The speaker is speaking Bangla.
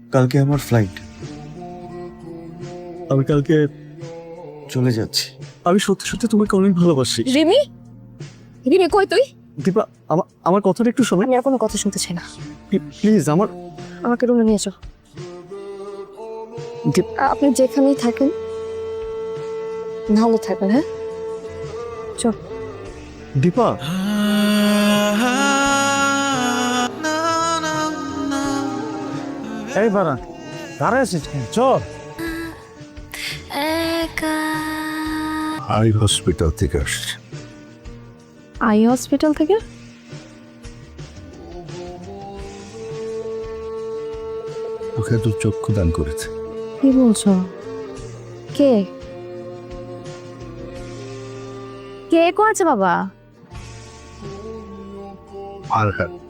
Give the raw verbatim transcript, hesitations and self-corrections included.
কালকে আমার ফ্লাইট, আমি কালকে চলে যাচ্ছি। আমি সত্যি সত্যি তোমাকে অনেক ভালোবাসি। রিমি, রিমি কই তুই? দীপা, আমার আমার কথাটা একটু শোনো আমি আর কোনো কথা শুনতে চাই না। প্লিজ। আমার আমাকে রুমে নিয়ে যাও। দীপ- আপনি যেখানেই থাকেন ভালো থাকেন। হ্যাঁ চল। দীপা, এই বারা দাঁড়ায় আছিস কেন? চল। আই হসপিটাল থেকে আসছি। আই হসপিটাল থেকে? ওকে তো চক্ষু দান করেছে। কি বলছো? কে কে করেছে বাবা? আর হ্যাঁ,